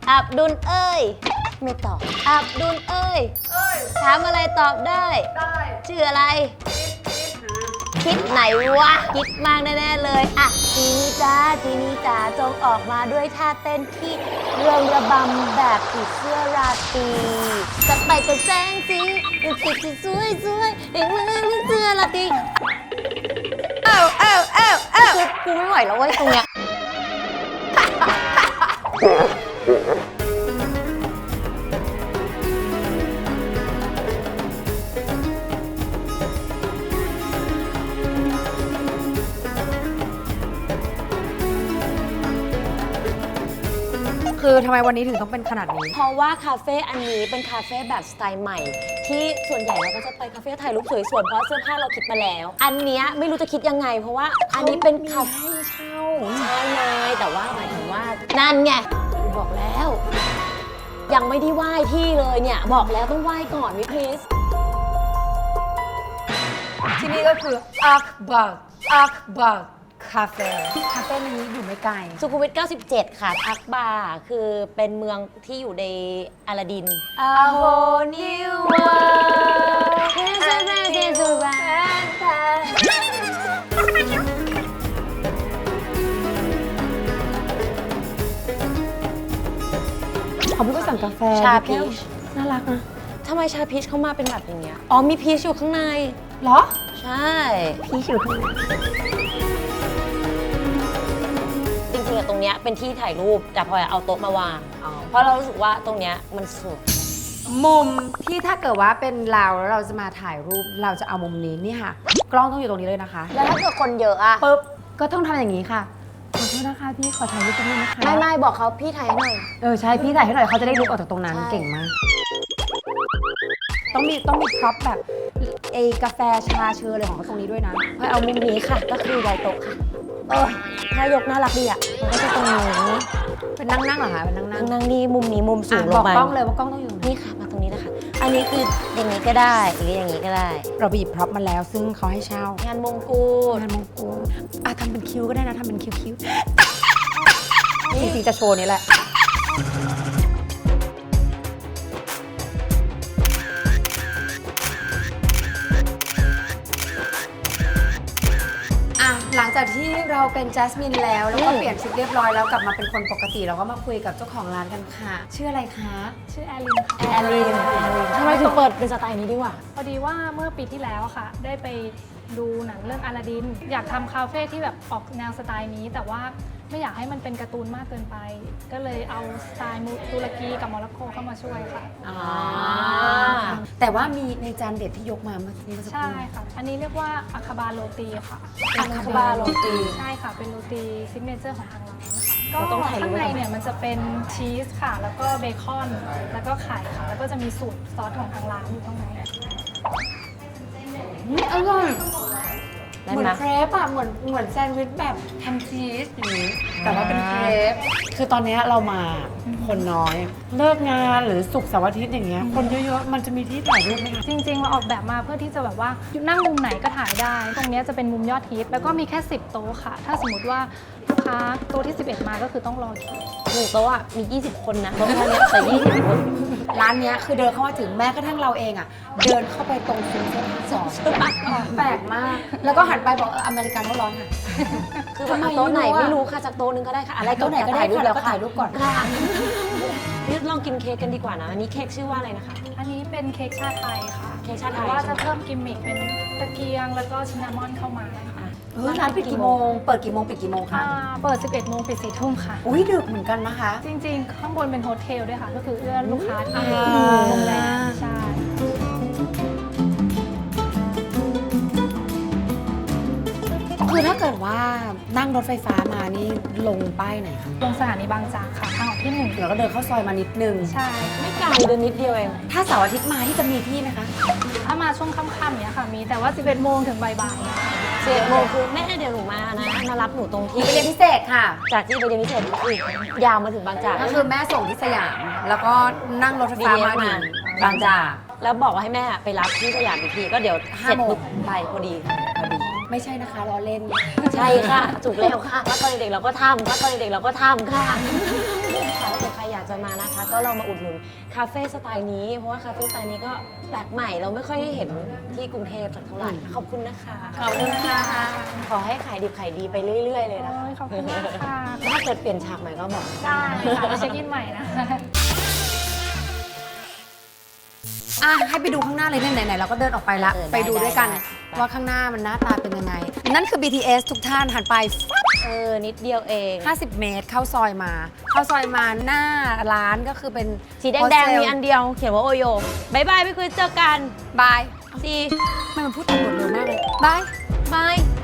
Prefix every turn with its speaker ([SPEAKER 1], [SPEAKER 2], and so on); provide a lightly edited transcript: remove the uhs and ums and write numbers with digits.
[SPEAKER 1] อับดุลเอ้ยไม่ตอบอับดุลเอ้ยถามอะไรตอบได้ชื่ออะไรคิดไหนวะคิดมากแน่ๆเลยอ่ะจีนี่จ้าจีนี่จ้าจงออกมาด้วยท่าเต้นที่เรืองระบำแบบผีเสื้อราตรีจะไปกับแสงสีติดที่สวยๆเห็นมือเสื้อราตรีคือกูไม่ไหวแล้วเว้ยตรงเนี้ย
[SPEAKER 2] คือทำไมวันนี้ถึงต้องเป็นขนาดนี้
[SPEAKER 1] เพราะว่าคาเฟ่อันนี้เป็นคาเฟ่แบบสไตล์ใหม่ ที่ส่วนใหญ่เราก็จะไปคาเฟ่ถ่ายรูปสวยๆเพราะเสื้อผ้าเราคิดมาแล้ว อันเนี้ยไม่รู้จะคิดยังไง เพราะว่าอันนี้เป็นคาเฟ่เช่าใช่ไงแต่ว่าหมายถึงว่านั่นไงบอกแล้ว ยังไม่ได้ไหว้ที่เลยเนี่ยบอกแล้วต้องไหว้ก่อนวิพีส
[SPEAKER 2] ที่นี่ก็คืออักบักคาเฟ่นี้อยู่ไม่ไกล
[SPEAKER 1] สุขุมวิท 97 ค่ะทักบาร์คือเป็นเมืองที่อยู่ในอลาดิน
[SPEAKER 2] A whole new world ขอพี่ก็สั่งกาแฟ
[SPEAKER 1] ชาพีช
[SPEAKER 2] น่ารักนะ
[SPEAKER 1] ทำไมชาพีชเข้ามาเป็นแบบอย่างเงี้ยอ๋อมีพีชอยู่ข้างใน
[SPEAKER 2] เหรอ
[SPEAKER 1] ใช่
[SPEAKER 2] พี่อยู่ข้างใน
[SPEAKER 1] จริงๆอะตรงเนี้ยเป็นที่ถ่ายรูปแต่พลอยเอาโต๊ะมาวางเพราะเรารู้สึกว่าตรงเนี้ยมันสวย
[SPEAKER 2] มุมที่ถ้าเกิดว่าเป็นเราแล้วเราจะมาถ่ายรูปเราจะเอามุมนี้นี่ค่ะ กล้องต้องอยู่ตรงนี้เลยนะคะ
[SPEAKER 1] แล้วถ้าเกิดคนเยอะอะ
[SPEAKER 2] ปุ๊บก็ต้องทำอย่างนี้ค่ะขอโทษนะคะพี่ขอถ่ายรูปตรงนี้นะคะ
[SPEAKER 1] ไม่บอกเขาพี่ถ่ายให้หน่อย
[SPEAKER 2] ใช่พี่ถ่ายให้หน่อยเขาจะได้ลุกออกจากตรงนั้น
[SPEAKER 1] ใช่
[SPEAKER 2] เก่งมากต้องมีพร็อพแบบกาแฟชาเชอร์อะไรของเขาตรงนี้ด้วยนะ
[SPEAKER 1] พลอยเอามุมนี้ค่ะก็คือย้ายโต๊ะค่ะถ้ายกน่ารักดีอะมันก็จะตรงนี้
[SPEAKER 2] เป็นนั่งเหรอคะเป็นนั่ง
[SPEAKER 1] นั่งนี่มุมนี้มุมสูงล
[SPEAKER 2] บอง ก
[SPEAKER 1] มาก
[SPEAKER 2] ล้องเลยว่ากล้องต้องอยู่ตรงนี้
[SPEAKER 1] นี่ค่ะมาตรงนี้นะคะอันนี้คืออย่างนี้ก็ได้หรืออย่างนี้ก็ได้
[SPEAKER 2] เราไปหยิบพร็อพมาแล้วซึ่งเขาให้เช่าง
[SPEAKER 1] านมงกุฎ
[SPEAKER 2] งานมงกุฎทำเป็นคิ้วก็ได้นะทำเป็นคิ้วจริงๆจะโชว์นี้แหละหลังจากที่เราเป็นแจสมินแล้วก็เปลี่ยนชุดเรียบร้อยแล้วกลับมาเป็นคนปกติเราก็มาคุยกับเจ้าของร้านกันค่ะ ชื่ออะไรคะ
[SPEAKER 3] ชื่อแอลินค่ะ
[SPEAKER 1] แอลลินทำไมถึงเปิดเป็นสไตล์นี้ดีกว่า
[SPEAKER 3] พอดีว่าเมื่อปีที่แล้วค่ะ ได้ไปดูหนังเรื่องอลาดิน อยากทำคาเฟ่ที่แบบออกแนวสไตล์นี้ แต่ว่าไม่อยากให้มันเป็นการ์ตูนมากเกินไป ก็เลยเอาสไตล์ตุรกีกับโมร็อกโกเข้ามาช่วยค่ะ
[SPEAKER 2] แต่ว่ามีในจานเด็ดที่ยกมาเมื่อกี้สักค
[SPEAKER 3] ใช่
[SPEAKER 2] รู่
[SPEAKER 3] ค่ะ อันนี้เรียกว่าอาคาบาโรตีค่ะ
[SPEAKER 2] อาคาบาโรตี
[SPEAKER 3] ใช่ค่ะ เป็นโรตีซิกเนเจอร์ของทางร้านค่ะก็
[SPEAKER 1] เราต้องถ่ายรูป
[SPEAKER 3] ข้างในเนี่ยมันจะเป็นชีสค่ะ แล้วก็เบคอน แล้วก็ไข่ค่ะ แล้วก็จะมีสูตรซอสของทางร้านอยู่ข้างใน
[SPEAKER 2] อร่อย
[SPEAKER 1] ได้
[SPEAKER 2] เหมือน
[SPEAKER 1] ไหม
[SPEAKER 2] เครปอะเหมือนแซนด์วิชแบบแฮมชีสอย่างนี้แต่ว่าเป็นเครปคือตอนนี้เรามาคนน้อย เลิกงานหรือศุกร์เสาร์อาทิตย์อย่างเงี้ยคนเยอะๆมันจะมีที่ถ่ายรูปไหมคะ
[SPEAKER 3] จริงๆ เราออกแบบมาเพื่อที่จะแบบว่านั่งมุมไหนก็ถ่ายได้ ตรงเนี้ยจะเป็นมุมยอดฮิตแล้วก็มีแค่ 10 โต๊ะค่ะ ถ้าสมมติว่าลูกค้าโต๊ะที่ 11 มาก็คือต้องรอคิว
[SPEAKER 1] หนึ่งโต๊ะอะมี 20 คนนะโต๊ะเท่านี้แต่20 คน
[SPEAKER 2] ร้านเนี้ยคือเดินเข้ามาถึงแม้กระทั่งเราเองอะเดินเข้าไปตรงซุ้มเสื้อผ้าสองแปลกมาก แล้วก็หันไปบอกอเมริกันเขาร้อนค่ะ
[SPEAKER 1] คือแบบโต๊ะไหนไม่รู้ค่ะจากโต๊ะนึงก็ได้ค่ะ อะไร
[SPEAKER 2] โต๊ะไหนก็ได้
[SPEAKER 1] ถ่ายรูป
[SPEAKER 2] ค่ะ
[SPEAKER 1] แล้ว
[SPEAKER 2] ก็ถ่ายรูปก่อน
[SPEAKER 1] ค่ะนี่ลองกินเค้กกันดีกว่านะ อันนี้เค้กชื่อว่าอะไรนะคะ
[SPEAKER 3] อันนี้เป็นเค้กชาไทยค่ะ
[SPEAKER 1] เค้กชาไทย
[SPEAKER 3] แต่ว่า
[SPEAKER 1] ใช่
[SPEAKER 3] จะ
[SPEAKER 1] ไหม
[SPEAKER 3] เพิ่มกิมมิคเป็นตะเกียงแล้วก็ชินนามอนเข้ามาค่ะ
[SPEAKER 2] ร้านปิดกี่โมง เปิดกี่โมงปิดกี่โมงคะ
[SPEAKER 3] เปิด 11 โมงปิด 4 ทุ่มค่ะ
[SPEAKER 2] อุ้ยดึกเหมือนกันนะคะ
[SPEAKER 3] จริงๆ ข้างบนเป็นโฮเทลด้วยค่ะ ก็คือเอื้อลูกค้าที่
[SPEAKER 2] อ่า
[SPEAKER 3] โรงแรมใช่
[SPEAKER 2] คือถ้าเกิดว่านั่งรถไฟฟ้ามานี่ลงป้ายไหนคะ
[SPEAKER 3] ลงสถานีบางจากค่ะ ทางออกที่ 1
[SPEAKER 2] แล้วก็เดินเข้าซอยมานิดนึง
[SPEAKER 3] ใช่
[SPEAKER 1] ไม่ไกลเดินนิดเดียวเอง
[SPEAKER 2] ถ้าเสาร์อาทิตย์มาที่จะมีที่ไหมคะ
[SPEAKER 3] ถ้ามาช่วงค่ำๆเนี้ยค่ะ มีแต่ว่า 11 โมงถึงบ่ายๆเนี่ยค่ะ
[SPEAKER 1] 11 โมงคือแม่เดี๋ยวหนูมานะ มารับหนูตรงที่
[SPEAKER 2] ไปเรียนพิเศษค่ะ
[SPEAKER 1] จากที่ไปเรียนพิเศษคือยาวมาถึงบางจาก
[SPEAKER 2] ก็คือแม่ส่งที่สยาม แล้วก็นั่งรถไฟฟ้ามาถึงบางจาก
[SPEAKER 1] แล้วบอกว่าให้แม่ไปรับที่สยามอีกทีก็เดี๋ยวเสร็จ
[SPEAKER 2] 5 โมง
[SPEAKER 1] ปุ๊บไปพอดี
[SPEAKER 2] พอดี ไม่ใช่นะคะล้อเล่น
[SPEAKER 1] ใช่ค่ะ ถูกแล้วค่ะถ้าตอนเด็กๆเราก็ทำถ้าตอนเด็กๆเราก็ทำค่ะถ้าเกิดใครอยากากจะมานะคะ ก็ลองมาอุดหนุนคาเฟ่สไตล์นี้เพราะว่าคาเฟ่สไตล์นี้ก็แปลกใหม่เราไม่ค่อยได้เห็นที่กรุงเทพสักเท่าไหร่ขอบคุณนะคะ
[SPEAKER 2] ขอบคุณค่ะ
[SPEAKER 1] ขอให้ขายดิบขายดีไปเรื่อย ๆ เลยนะคะ
[SPEAKER 3] โอ้ยขอบคุณมากค่ะ
[SPEAKER 1] ถ้าเกิดเปลี่ยนฉากใหม่ก็บอก
[SPEAKER 3] ได้ค่ะไปเช็คอินใหม่นะ
[SPEAKER 2] ให้ไปดูข้างหน้าเลยไหนๆเราก็เดินออกไปละ ไปดูด้วยกันว่าข้างหน้ามันหน้าตาเป็นยังไง นั่นคือ BTS ทุกท่านหันไปฟับ
[SPEAKER 1] นิดเดียวเอง
[SPEAKER 2] 50 เมตรเข้าซอยมา หน้าร้านก็คือเป็น
[SPEAKER 1] สีแดงๆมีอันเดียวเขียนว่าโอโยบายบายพี่คุยเจอกัน
[SPEAKER 2] บาย
[SPEAKER 1] ซี
[SPEAKER 2] ทำไมมันพูดตำรวจเร็วมากเลยบาย
[SPEAKER 1] บาย